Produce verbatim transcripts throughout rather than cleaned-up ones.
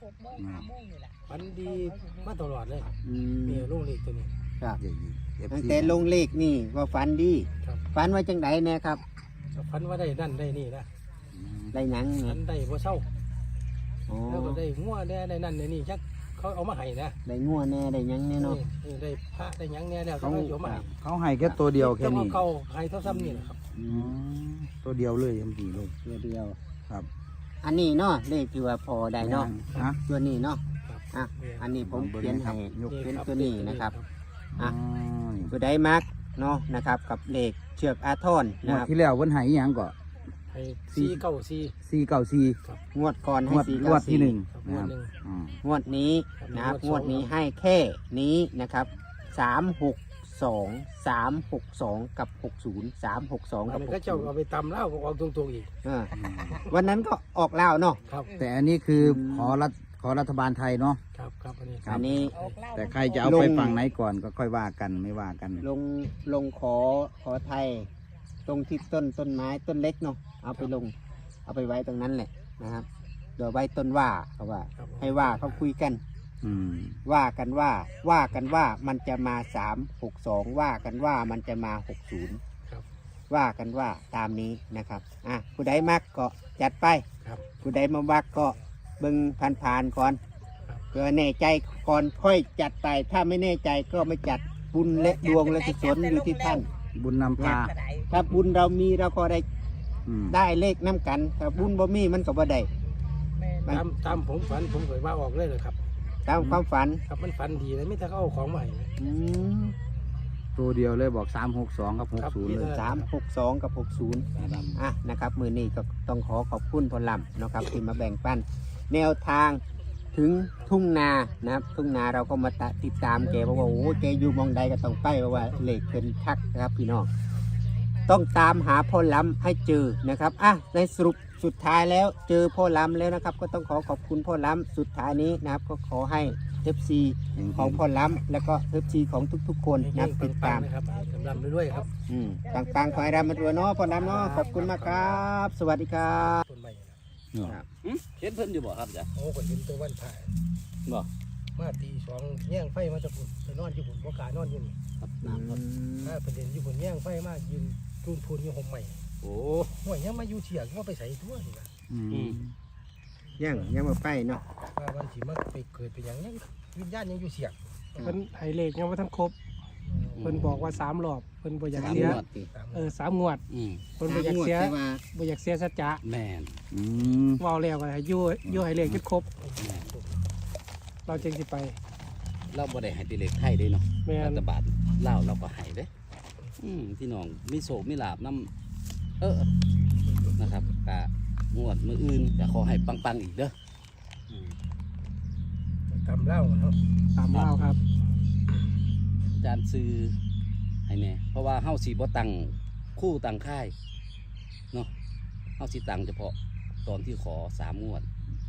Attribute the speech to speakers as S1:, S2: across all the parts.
S1: ฝันดีมาตลอดเลย
S2: อืม
S1: มีลูกเล็กตัวนี้
S2: ครับ
S3: เดี๋ยวนี้ เอฟ
S2: ตั้ง
S3: ซี
S2: แต่ลงเลขนี่ว่าฝันดี
S1: ครับ
S2: ฝันว่าจังไดแน่ครับ
S1: ฝันว่าได้นั่นได้นี่นะ
S2: ได้หยัง
S1: ฝั
S2: เนี่ย
S1: นได้บ่เช่า
S2: อ๋อ
S1: แล้วก็ได้งัวได้ได้นั่นได้นี่จักเขาเอามาให้นะ
S2: ได้งัวแน่ได้หยังแน่เนาะ
S1: เออได้พระได้หยังเนี่ยแล้ว
S3: เขา
S1: เขาเอามาให้
S3: เขาให้แค่ตัวเดียวแค่
S1: แต่ว่า
S3: นี้
S1: เขาให้เท่าซ้ำนี่แหละครับ
S2: อื
S3: อื
S2: ม
S3: มตัวเดียวเลยยังดีเลย
S2: ตัวเดียว
S3: ครับ
S2: อันนี้เนาะเลขที่ว่าพอได้เนาะ
S3: ฮะ
S2: ตัวนี้เนาะ
S1: ครับ
S2: อ่ะอันนี้ผมเขียนให้
S3: ยก
S2: เป็นตัวนี้นะครับ
S3: อ๋อ
S2: ตัวได้มักเนาะนะครับ กับเลขเชือกอาทร
S3: ง
S2: นะ
S3: วด
S2: ครับ
S3: ที่แล้ววันไหยังก็
S1: ให้สี่เก้าสี่
S3: สี่เก้าสี่
S2: งวดก่อน
S3: ง
S2: ให้
S3: วด
S2: สี่
S3: ง
S2: เก้าว
S3: ดที่
S2: สี่
S3: หนึ่ง
S1: ครับ
S3: นะ
S1: งว
S3: ค
S1: ด
S3: รับ
S1: หนึ่ง
S3: อืม
S2: งวดนี้นะครับ
S1: ครับ
S2: งวดนี้ให้แค่นี้นะครับสามหกสองสามหกสองกับหกศูนย์สามหกสอง
S1: อั
S2: กัน บ
S1: นี้
S2: ห
S1: ก็
S2: ก
S1: เจ้า
S2: ศูนย์
S1: เอาไปตำแล้วก็ออกตรงๆอีก
S2: เออวันนั้นก็ออกแล้วเนาะ
S1: ครับ
S3: แต่อันนี้คืออ
S2: ม
S3: ขอรัฐขอรัฐบาลไทยเนาะ
S1: ครับครับอันนี้
S3: ครับ
S2: อันนี้
S3: แต่ใครจะเอาไปฝั่งไหนก่อนก็ค่อยว่ากันไม่ว่ากัน
S2: ลงลงขอขอไทย ตรงที่ต้นต้นไม้ต้นเล็กเนาะเอาไปลง เอาไปไว้ตรงนั้นแหละนะครับเดี๋ยวไว้ต้นว่าเขาว่า
S1: ครับ
S2: ให้ว่าเขาคุยกัน
S3: อืม
S2: ว่ากันว่าว่ากันว่ามันจะมาสามหกสองว่ากันว่ามันจะมาหกศูนย์
S1: ครับ
S2: ว่ากันว่าตามนี้นะครับอ่ะผู้ใดมักก็จัดไป
S1: ครับ
S2: ผู้ใดมามักก็เบิ่งผ่านๆก่อน
S1: ครับ
S2: เพื่อแน่ใจก่อนค่อยจัดไป ถ้าไม่แน่ใจก็ไม่จัดบุญและดวงและกุศลอยู่ที่ท่าน
S3: บุญนำพา
S2: ถ้าบุญเรามีเราก็ได้
S3: อืม
S2: ได้เลขน้ำกัน ถ้าบุญบ่มีมันก็บ่ได้
S1: ตามตามผมฝันผมเคยว่าออกเลยเลยครับ
S2: ตามความฝัน
S1: ครับมันฝันดีเลยไม่ถ้าเขาเอาของมาให้นะ
S2: อืม
S3: ตัวเดียวเลยบอกสามหกสองกับหก
S1: ครับ
S3: ศูนย์เลย
S2: สามหกสองกับหกศูนย์อ่ะนะครับมือนี้ก็ต้องขอขอบคุณพอลำนะครับที่มาแบ่งปัน แนวทางถึงทุ่งนานะครับ ทุ่งนาเราก็มาติดตามแกเพราะว่าโอ้แกอยู่มองใดก็ต้องไปเพราะว่าเลขเป็นทักนะครับพี่น้องต้องตามหาพ่อล้ำให้เจอนะครับอ่ะในสรุปสุดท้ายแล้วเจอพ่อล้ำแล้วนะครับ ก็ต้องขอขอบคุณพ่อล้ำสุดท้ายนี้นะครับ ก็ขอให้ เอฟ ซี ของพ่อล้ำแล้วก็ เอฟ ซี ของทุกๆ คนนะครับติดตาม
S1: นะครับกำลังไปด้วยครับ
S2: อืมต่างๆขอให้ร่ำมาด้วยเนาะพ่อล้ำเนาะขอบคุณมากครับ สวัสดีครับ
S1: ต้นใหม่
S2: ครับ
S4: เห็นเพิ่นอยู่บ่ครับจ้ะ
S1: โอ้ก็เห็นตัววันถ่าย
S4: บ่
S1: มาตีสองแย่งไฟมาจากฝุ่นไปนอนที่ฝุ่นบ่กล้านอนอยู่นี่
S4: ครับ
S2: อื
S4: น้ำครับ
S2: ม
S1: ถ้าประเด็นที่ฝุ่นแย่งไฟมายืนจูนพูนอยู่ห่มใหม่
S4: โอ้
S1: ห่วยยังมาอยู่เถียงว่าไปใส่ทั่วนี่นะ
S3: อืม
S2: ยังยังมาไปเนาะ
S1: ว่าวันที่มาไปเกิดไปหยังยังวิญญาณยังอยู่เสียง
S5: เพิ่นให้เลขยังว่าท่านครบเพิ่นบอกว่าสามรอบเพิ่นบ่อยาก
S4: สาม
S5: เสีย
S4: งวด
S5: เออสามงวด
S4: อืม
S5: เพิ่นบ่อยากเสีย
S2: สมงวดแต่ว่า
S5: บ่อยากเสียสัจจะ
S4: แม่น
S3: อืม
S5: เว้าแล้วก็ให้อยู่อยู่ให้เลขจนครบ
S4: แม่น
S5: เราจึงสิไป
S4: เราบ่ได้ให้แติเลขไทยเด้เนาะ
S5: แม่
S4: รั
S5: น
S4: ฐบาลลาวเราก็ให้เด้อืมพี่น้องมีโศกมีลาบนํเออนะครับกะงวดมื้ออื่นก็ขอให้ปังๆอีกเด้ออืม
S1: กำเล่าเนาะ
S5: ตามเล่าครับ
S4: อาจารย์ซื้อให้แน่เพราะว่าเฮาสิบ่ตั้งคู่ตั้งค่ายเนาะเฮาสิตั้งเฉพาะตอนที่ขอสามงวด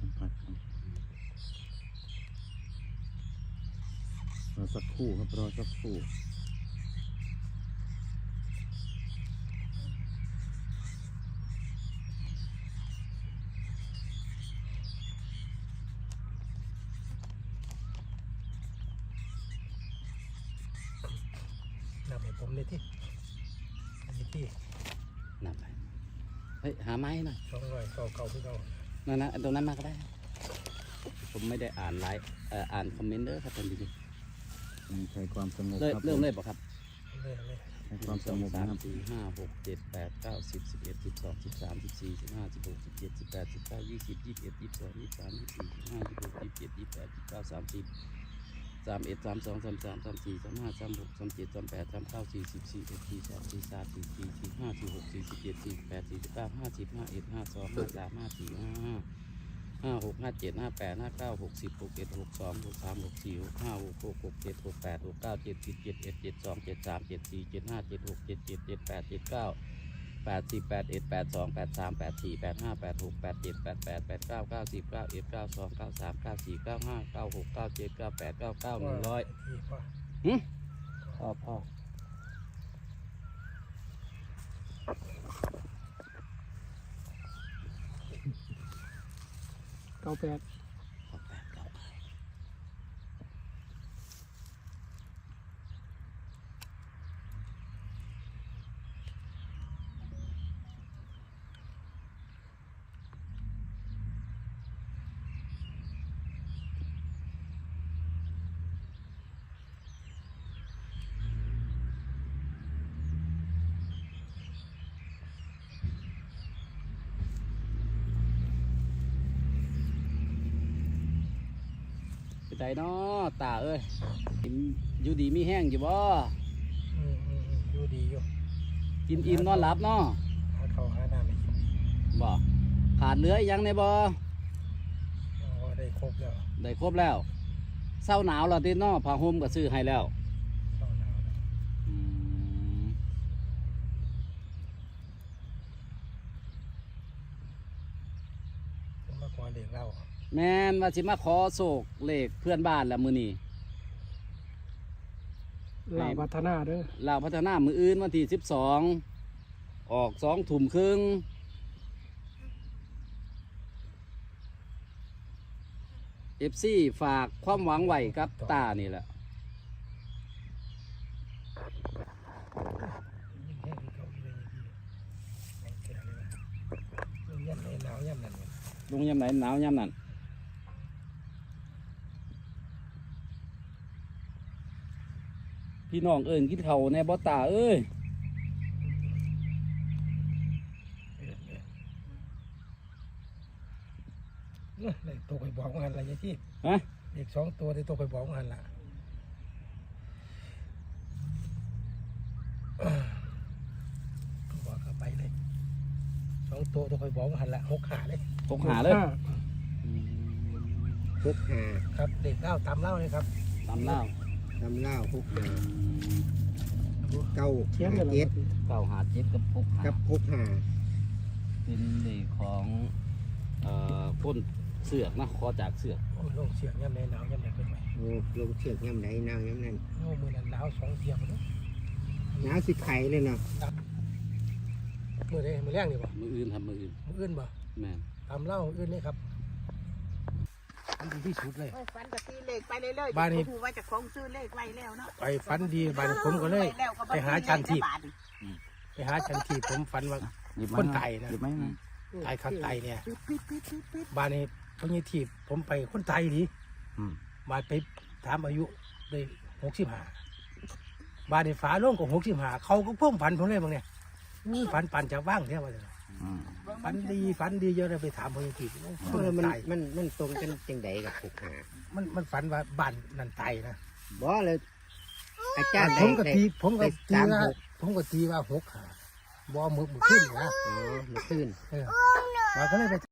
S3: รอสักครู่ครับรอสักครู่
S1: นำให้ผมเลยที่อันนี้ที่
S4: นำไปเฮ้ยหาไม้หน่อย
S1: สองร้อยเก่าเก่าที่เก่า
S4: นั่นนะตรงนั้นมาก็ได้ ผมไม่ได้อ่านไลฟ์เอ่ออ่านคอมเมนต์เด้อครับท่านผู้ชม
S3: ใช้ความสงบ
S4: เริ่ม
S3: ครับ
S4: เริ่มเลยป่ะครับ
S1: เลยเลย
S3: ใช้ความสงบ
S4: สา
S3: นะ
S4: ม
S3: ครับ
S4: สี่ห้าหกเจ็ดแปดเก้าสิบสิบเอ็ดสิบสองสิบสามสิบสี่สิบห้าสิบหกสิบเจ็ดสิบแปดสิบเก้ายี่สิบยี่สิบเอ็ดยี่สิบสองยี่สิบสามยี่สิบสี่ยี่สิบห้ายี่สิบหกยี่สิบเจ็ดยี่สิบแปดยี่สิบเก้าสามสิบสามเอ็ดสามสองสามสามสามสี่สามห้าสามหกสามเจ็ดสามแปดสามเก้าสี่สิบสี่เอ็ดสี่สองสี่สามสี่สี่สี่ห้าสี่หกสี่สิบเจ็ดสี่แปดสี่สิบเก้าห้าสิบห้าเอ็ดห้าสองห้าสามห้าสี่ห้าห้าห้าหกห้าเจ็ดห้าแปดห้าเก้าหกสิบหกเอ็ดหกสองหกสามหกสี่หกห้าหกหกหกเจ็ดหกแปดหกเก้าเจ็ดสิบเจ็ดเอ็ดเจ็ดสองเจ็ดสามเจ็ดสี่เจ็ดห้าเจ็ดหกเจ็ดเจ็ดเจ็ดแปดเจ็ดเก้าแปดสิบแปดเอ็ดแปดสองแปดสามแปดสี่แปดห้าแปดหกแปดเจ็ดแปดแปดแปดเก้าเก้าสิบเก้าเอ็ดเก้าสองเก้าสามเก้าสี่เก้าห้าเก้าหกเก้าเจ็ดเก้าแปดเก้าเก้าหนึ่งร้อย
S1: ที่พ่อ
S2: พ่อพ่อ
S5: เก้าแปด
S4: หกแปดเก้าใจเนาะตาเอ้ยอยู่ดีมีแห้งอยู่บ่
S1: อืมอืมอืมอยู่ดีอยู่
S4: กินอิ่มนอนหลับเนาะ
S1: หาข้าวหาน้ำให้กิน
S4: บ่ขาดเหลืออีกหยังในบ่
S1: อ๋อได้ครบแล้ว
S4: ได้ครบแล้วเศร้าหนาวแล้วติเนาะผ้าห่มก็ซื้อให้แล้ว
S1: เข้าหนาวแล้ว
S4: อืม
S1: ผมมาขอเด็กเล่า
S4: แม่นว่าสิมาขอโศกเลขเพื่อนบ้านแล้วมื้อนี้
S5: ลาวพัฒนาเด้อ
S4: ลาวพัฒนามื้ออื่นวันที่สิบสองออกสองทุ่มครึ่งเอฟซีฝากความหวังไว้กับตานี่แหละ
S1: ยิ่งแห้งที่เก่าอีกเลยยิ่งแก่เลยนะยิ่งยันในหนาวยันนั่นเนี่ย
S4: ลงยามไหนหนาวยามนั้นพี่น้องเอิญกินเขาวในบ่ตาเอ้ย
S1: เออเออเนอะได้ตัวไปบอกงานอะไรที่
S4: ฮะ
S1: เด็กสองตัวได้ตัวไปบอกงานละบอกเข้าไปเลยสองตัวตัวไปบอกงานละหกขาเลย
S4: ตกหาเลย
S5: ห้า
S2: หกห้า
S1: ครับเด็กเล่าตามเล่าเลยครับ
S4: ตามเล่า
S2: ตำเล่าหกห้าเก้า
S5: เขียนกัน
S2: เจ็ด
S4: เก้าหาเจ็ดกับหกหา
S2: กับหกห้า
S4: เป็นเลขของเอ่อพ่นเสือกนะขอจากเสือก
S1: โอ้ยลงเสียงย่ำในหนาวย่ำในเป็นไหม
S2: โอ้ลงเชือกย่ำไหนนาวย่ำนั้น
S1: โอ้มือนั้นหนาวสองเทียมเลย
S2: หนาวสิไข่เลยเนาะ
S1: มือใดมือแรกนี่บ่
S4: มืออื่นทำมืออื่น
S1: มืออื่นบ่
S4: แม่น
S1: ตามเล่ามืออื่นนี่ครับอันดีที่สุดเลย
S6: โอ้ยฝันกับตีเลขไปเรื่อยๆ
S1: บ้านนี้
S6: ผมว่าจะคงซื้อเลขไว้แล้วเนาะ
S1: ไปฝันดีบ้านผมก็เลย
S6: แล้วก็บ่
S1: ไปหาชันที
S6: บาท
S1: ไปหาชันทีผมฝันว่า
S3: หยิบ
S1: ค
S3: มาน
S1: ตายนะ
S3: หยิบไหมนะ
S1: ตายคักตายเนี่ย
S6: ปิดปิดปิดปิดปิด
S1: บ้านนี้พญทีผมไปคนตายดี
S3: อืม
S1: บ้านไปถามอายุได้หกสิบห้าบ้านนี้ฝาโล่งก็หกสิบห้าเขาก็เพิ่มฝันผมเลยบางเนี่ยนี่ฝันปั่นจากว่างแท้ว่าจะ
S3: อืม
S1: ฝันดีฝันดีเยอะเลยไปถามพญที
S2: เอ
S1: คน
S2: อมัน
S1: ตาย
S2: มันมันตรงกันจังใดกับหกห้า
S1: มันมันฝันว่าบ้านนั่นตายนะ
S2: บ่เลยอาจารย์
S1: ผมก็
S2: ได้
S1: ตีผมก็
S2: ได้
S1: ตี
S2: สาม
S1: ว่า
S2: หก
S1: ผมก็ตีว่าหกหาบ่มือมือขึ้นนะ
S2: อ๋อเมื่อคืน
S1: เออมาก็เลยไป